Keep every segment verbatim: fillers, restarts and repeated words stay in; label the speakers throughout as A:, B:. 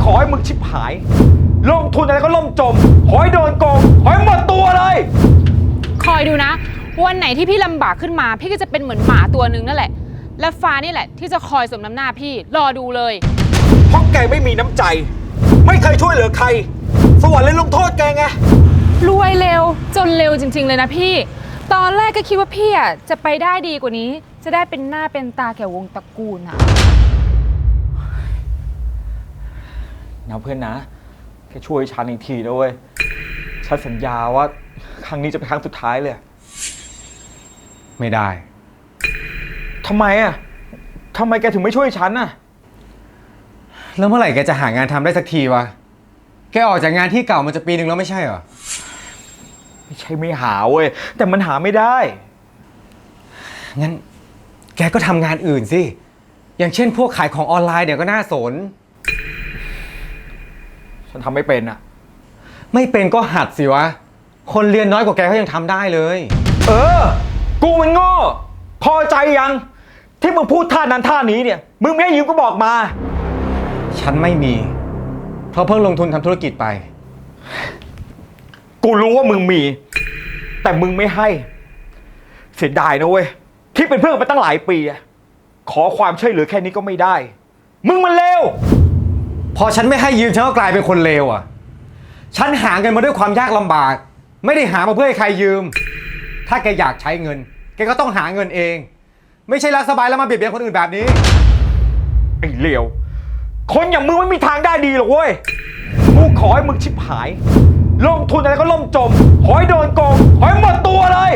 A: ขอให้มึงชิบหายลงทุนอะไรก็ล่มจมขอให้โดนโกงขอให้หมดตัวเลย
B: คอยดูนะวันไหนที่พี่ลำบากขึ้นมาพี่ก็จะเป็นเหมือนหมาตัวนึงนั่นแหละและฟ้านี่แหละที่จะคอยสมน้ำหน้าพี่รอดูเลย
A: เพราะแกไม่มีน้ำใจไม่เคยช่วยเหลือใครสวรรค์เลยลงโทษแกไง
B: รวยเร็วจนเร็วจริงๆเลยนะพี่ตอนแรกก็คิดว่าพี่อ่ะจะไปได้ดีกว่านี้จะได้เป็นหน้าเป็นตาแก่วงตระกูลอ่ะ
A: นะเพื่อนนะแค่ช่วยฉันอีกทีนะเว้ยฉันสัญญาว่าครั้งนี้จะเป็นครั้งสุดท้ายเลย
C: ไม่ได้
A: ทำไมอ่ะทำไมแกถึงไม่ช่วยฉันอ่ะ
C: แล้วเมื่อไหร่แกจะหางานทำได้สักทีวะแกออกจากงานที่เก่ามันจะปีหนึ่งแล้วไม่ใช่เหรอ
A: ไม่ใช่ไม่หาเว้ยแต่มันหาไม่ได้
C: งั้นแกก็ทำงานอื่นสิอย่างเช่นพวกขายของออนไลน์เนี่ยก็น่าสน
A: ฉันทำไม่เป็นอ่ะ
C: ไม่เป็นก็หัดสิวะคนเรียนน้อยกว่าแกก็ยังทำได้เลย
A: เออกูมันโง่พอใจยังที่มึงพูดท่านั้นท่านี้เนี่ยมึงไม่ให้ยืมก็บอกมา
C: ฉันไม่มีเพราะเพิ่งลงทุนทำธุรกิจไป
A: กูรู้ว่ามึงมีแต่มึงไม่ให้เสียดายนะเว้ยที่เป็นเพื่อนมาตั้งหลายปีอะขอความช่วยเหลือแค่นี้ก็ไม่ได้มึงมันเลว
C: พอฉันไม่ให้ยืมฉันก็กลายเป็นคนเลวอ่ะฉันหาเงินมาด้วยความยากลำบากไม่ได้หามาเพื่อให้ใครยืมถ้าแกอยากใช้เงินแกก็ต้องหาเงินเองไม่ใช่รักสบายแล้วมาเบียดเบียนคนอื่นแบบนี้
A: ไอ้เลวคนอย่างมึงไม่มีทางได้ดีหรอกเว้ยกูขอให้มึงชิบหายลงทุนอะไรก็ล่มจมขอให้โดนโกงขอให้หมดตัวเลย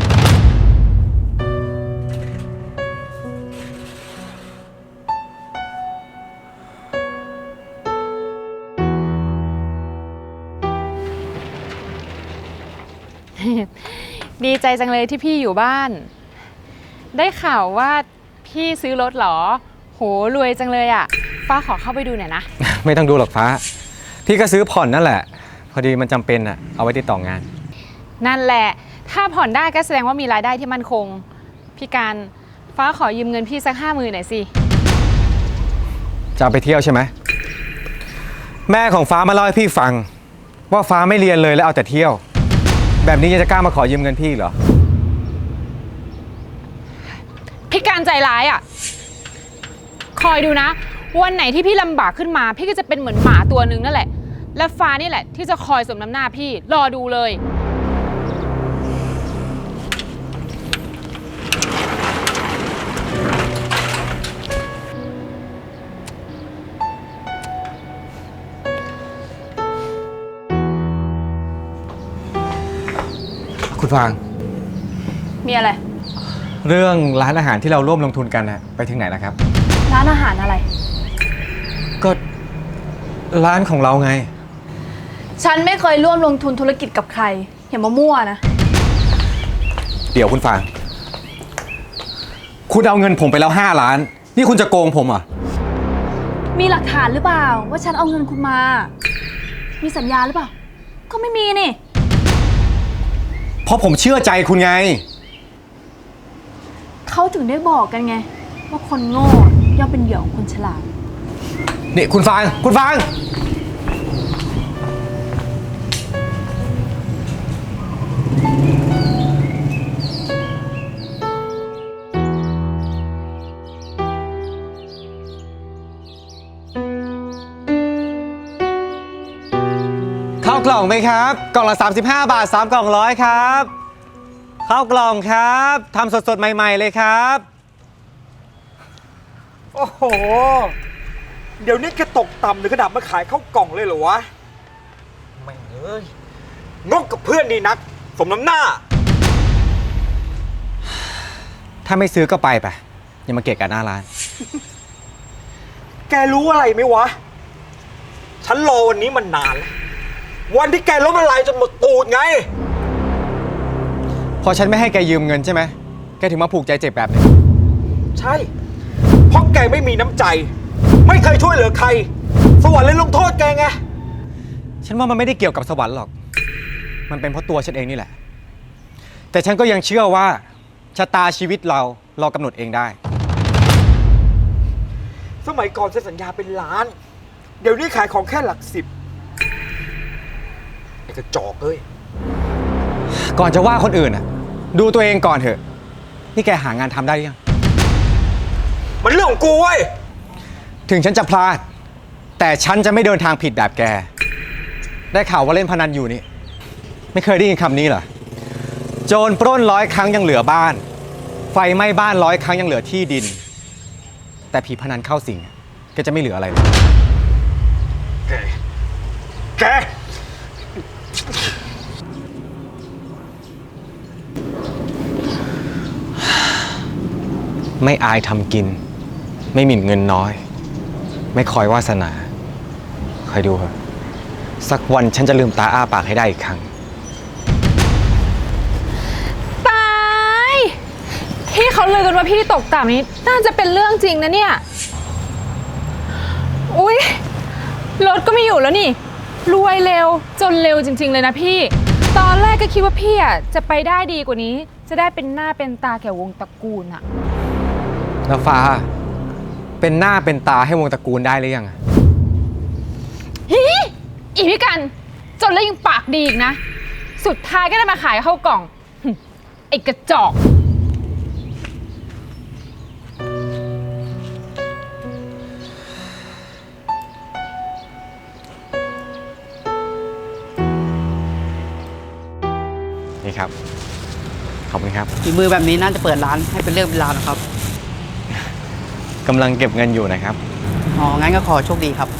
B: ดีใจจังเลยที่พี่อยู่บ้านได้ข่าวว่าพี่ซื้อรถเหรอโหรวยจังเลยอ่ะฟ้าขอเข้าไปดูหน่อยนะ
C: ไม่ต้องดูหรอกฟ้าพี่ก็ซื้อผ่อนนั่นแหละพอดีมันจำเป็นอ่ะเอาไว้ติดต่องาน
B: นั่นแหละถ้าผ่อนได้ก็แสดงว่ามีรายได้ที่มั่นคงพี่การฟ้าขอยืมเงินพี่สักห้าหมื่นหน่อยสิ
C: จะเอาไปเที่ยวใช่ไหมแม่ของฟ้ามาเล่าให้พี่ฟังว่าฟ้าไม่เรียนเลยแล้วเอาแต่เที่ยวแบบนี้ยังจะกล้ามาขอยืมเงินพี่เหรอ
B: พี่การใจร้ายอ่ะคอยดูนะวันไหนที่พี่ลำบากขึ้นมาพี่ก็จะเป็นเหมือนหมาตัวนึงนั่นแหละและฟ้านี่แหละที่จะคอยสมน้ำหน้าพี่รอดูเลย
C: คุณฟาง
B: มีอะไร
C: เรื่องร้านอาหารที่เราร่วมลงทุนกันนะไปถึงไหนแล้วครับ
B: ร้านอาหารอะไร
C: ก็ร้านของเราไง
D: ฉันไม่เคยร่วมลงทุนธุรกิจกับใครอย่ามามั่วนะ
C: เดี๋ยวคุณฟางคุณเอาเงินผมไปแล้วห้าล้านนี่คุณจะโกงผมเหรอ
D: มีหลักฐานหรือเปล่าว่าฉันเอาเงินคุณมามีสัญญาหรือเปล่าก็ไม่มีนี่
C: เพราะผมเชื่อใจคุณไง
D: เขาถึงได้บอกกันไงว่าคนโง่ย่อมเป็นเหยื่อของคนฉลาด
C: นี่คุณฟางคุณฟางข้าวกล่องไหมครับกล่องละสามสิบห้าบาทสามกล่องร้อยครับข้าวกล่องครับทำสดๆใหม่ๆเลยครับ
A: โอ้โหเดี๋ยวนี้แกตกต่ำหรือขนาดมาขายข้าวกล่องเลยเหรอวะไม่เอ้ยงกกับเพื่อนดีนักสมน้ำหน้า
C: ถ้าไม่ซื้อก็ไปไปอย่ามาเกะกะหน้าร้าน
A: แกรู้อะไรไหมวะฉันรอวันนี้มันนานแล้ววันที่แกล้มละลายจนหมดตูดไง
C: พอฉันไม่ให้แกยืมเงินใช่ไหมแกถึงมาผูกใจเจ็บแบบนี้
A: ใช่เพราะแกไม่มีน้ำใจไม่เคยช่วยเหลือใครสวรรค์เลยลงโทษแกไง
C: ฉันว่ามันไม่ได้เกี่ยวกับสวรรค์หรอกมันเป็นเพราะตัวฉันเองนี่แหละแต่ฉันก็ยังเชื่อว่าชะตาชีวิตเราเรากำหนดเองได้
A: สมัยก่อนเซ็นสัญญาเป็นล้านเดี๋ยวนี้ขายของแค่หลักสิบไอ้กระจอกเอ้ย
C: ก่อนจะว่าคนอื่นอ่ะ ดูตัวเองก่อนเถอะ นี่แกหางานทำได้หรือยัง
A: มันเรื่องของกูเว้ย
C: ถึงฉันจะพลาด แต่ฉันจะไม่เดินทางผิดแบบแก ได้ข่าวว่าเล่นพนันอยู่นี่ ไม่เคยได้ยินคำนี้เหรอ โจรปล้นร้อยครั้งยังเหลือบ้าน ไฟไหม้บ้านร้อยครั้งยังเหลือที่ดิน แต่ผีพนันเข้าสิงแกจะไม่เหลืออะไรเลย
A: แก แก
C: ไม่อายทำกิน ไม่หมิ่นเงินน้อย ไม่คอยวาสนาคอยดูเถอะสักวันฉันจะลืมตาอ้าปากให้ได้อีกครั้ง
B: ตายที่เขาลือกันว่าพี่ตกต่ำนี้น่าจะเป็นเรื่องจริงนะเนี่ย อุ๊ย รถก็ไม่อยู่แล้วนี่ รวยเร็วจนเร็วจริงๆเลยนะพี่ ตอนแรกก็คิดว่าพี่อ่ะจะไปได้ดีกว่านี้ จะได้เป็นหน้าเป็นตาแก่วงตระกูลอ่ะ
C: แล้วฟ้า เป็นหน้าเป็นตาให้วงตระกูลได้หรือยังอะ
B: ฮีอีพี่กัน จนแล้วยังปากดีอีกนะ สุดท้ายก็ได้มาขายเข้ากล่องหึไอ้กระจอก
C: นี่ครับ ขอบคุณครับ
E: ฝีมือแบบนี้น่าจะเปิดร้านให้เป็นเรื่องเป็นราวนะครับ
C: กำลังเก็บเงินอยู่นะครับ
E: อ๋อ งั้นก็ขอโชคดีครับ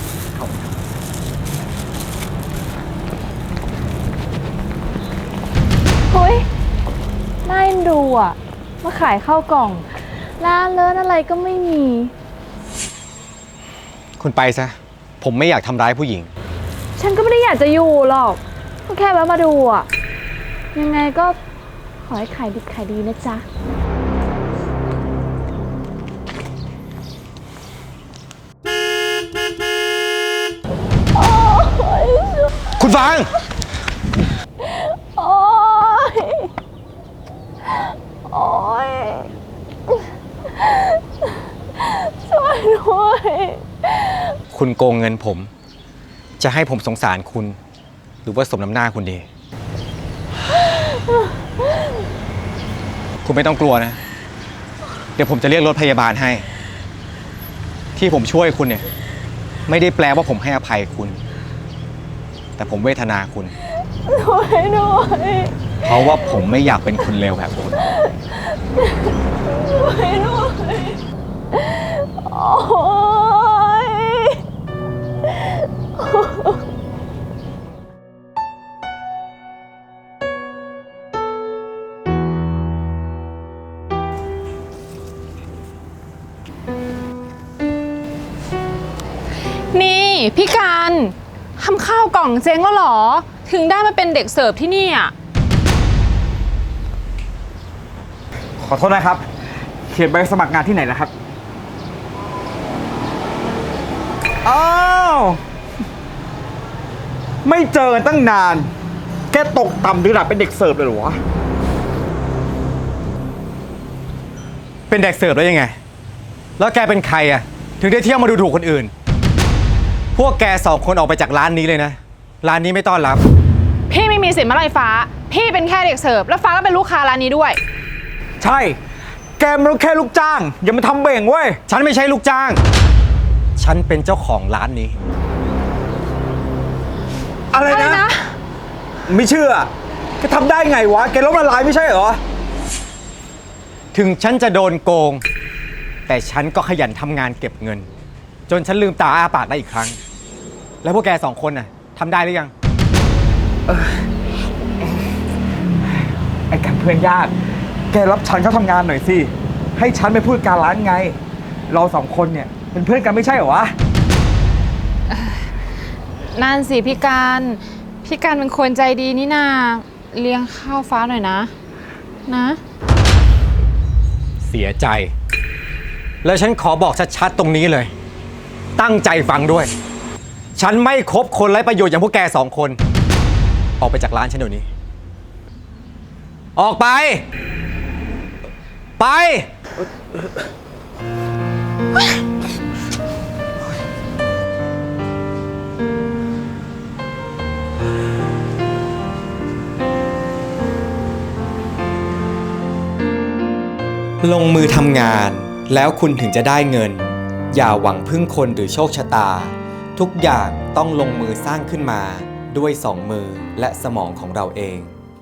D: เฮ้ยน่าเอ็นดูอ่ะ มาขายข้าวกล่อง ร้านเลิศอะไรก็ไม่มี
C: คุณไปซะ ผมไม่อยากทำร้ายผู้หญิง
D: ฉันก็ไม่ได้อยากจะอยู่หรอก ก็แค่แวะมาดูอ่ะ ยังไงก็ขอให้ขายดีขายดีนะจ๊ะ
C: คุณฟาง
D: โอ๊ย โอ๊ย ช่วยด้วย
C: คุณโกงเงินผม จะให้ผมสงสารคุณ หรือว่าสมน้ำหน้าคุณดี คุณไม่ต้องกลัวนะ เดี๋ยวผมจะเรียกรถพยาบาลให้ ที่ผมช่วยคุณเนี่ย ไม่ได้แปลว่าผมให้อภัยคุณ แต่ผมเวทนาคุณ
D: ช่วยด้วย
C: เพราะว่าผมไม่อยากเป็นคนเลวแบบคุณ
D: ช่วยด้วยโอ๊ย
B: นี่พี่การทำข้าวกล่องเจ๊งแล้วเหรอ ถึงได้มาเป็นเด็กเสิร์ฟที่นี่อ่ะ
A: ขอโทษนะครับ เขียนใบสมัครงานที่ไหนนะครับ อ้าว ไม่เจอกันตั้งนาน แกตกต่ำระดับเป็นเด็กเสิร์ฟเลยเหรอวะ
C: เป็นเด็กเสิร์ฟได้ยังไง แล้วแกเป็นใครอะถึงได้เที่ยวมาดูถูกคนอื่น พวกแกสองคนออกไปจากร้านนี้เลยนะ ร้านนี้ไม่ต้อนรับ
B: พี่ไม่มีสิทธิ์มาไล่ฟ้า พี่เป็นแค่เด็กเสิร์ฟแล้วฟ้าก็เป็นลูกค้าร้านนี้ด้วย
A: ใช่ แกมันแค่ลูกจ้าง อย่ามาทำเบ่งเว้ย
C: ฉันไม่ใช่ลูกจ้าง ฉันเป็นเจ้าของร้านนี้
A: อะไร
B: อะไร
A: นะ
B: นะ
A: ไม่เชื่อ แกทำได้ไงวะ แกล้มละลายไม่ใช่เหรอ
C: ถึงฉันจะโดนโกง แต่ฉันก็ขยันทำงานเก็บเงิน จนฉันลืมตาอ้าปากได้อีกครั้ง แล้วพวกแกสองคนน่ะทำได้หรือยัง
A: ไอ้กันเพื่อนยาก แกรับฉันเข้าทำงานหน่อยสิ ให้ฉันไปพูดการร้านไง เราสองคนเนี่ยเป็นเพื่อนกันไม่ใช่เหรอวะ
B: นั่นสิพี่การพี่การเป็นคนใจดีนี่นาเลี้ยงข้าวฟ้าหน่อยนะ นะ
C: เสียใจ แล้วฉันขอบอกชัดๆตรงนี้เลย ตั้งใจฟังด้วย ฉันไม่คบคนไร้ประโยชน์อย่างพวกแกสองคน ออกไปจากร้านฉันเดี๋ยวนี้ ออกไป ไป
A: น
C: ลงมือทำงานแล้วคุณถึงจะได้เงิน อย่าหวังพึ่งคนหรือโชคชะตา ทุกอย่างต้องลงมือสร้างขึ้นมาด้วยสองมือและสมองของเราเอง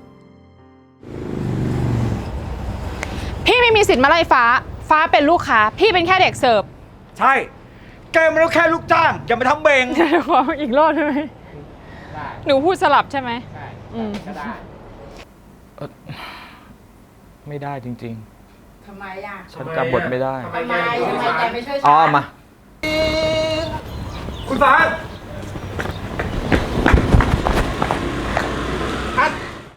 B: พี่ไม่มีสิทธิ์มาไล่ฟ้า ฟ้าเป็นลูกค้า พี่เป็นแค่เด็กเสิร์ฟ
A: ใช่ แกมันก็แค่ลูกจ้าง อย่ามาทำเบง
B: เดี๋ยวขออีกรอบได้ไหมหนูพูดสลับใช่ไหมใช่ก็ได้
A: ไม่ได้จริง
F: ทำไมอ่ะ
A: ๆ ฉันจำบทไม่ได้
F: ทำไมทำไมแกไม่ช่วยฉัน
A: อ๋อมา คุณฟ้า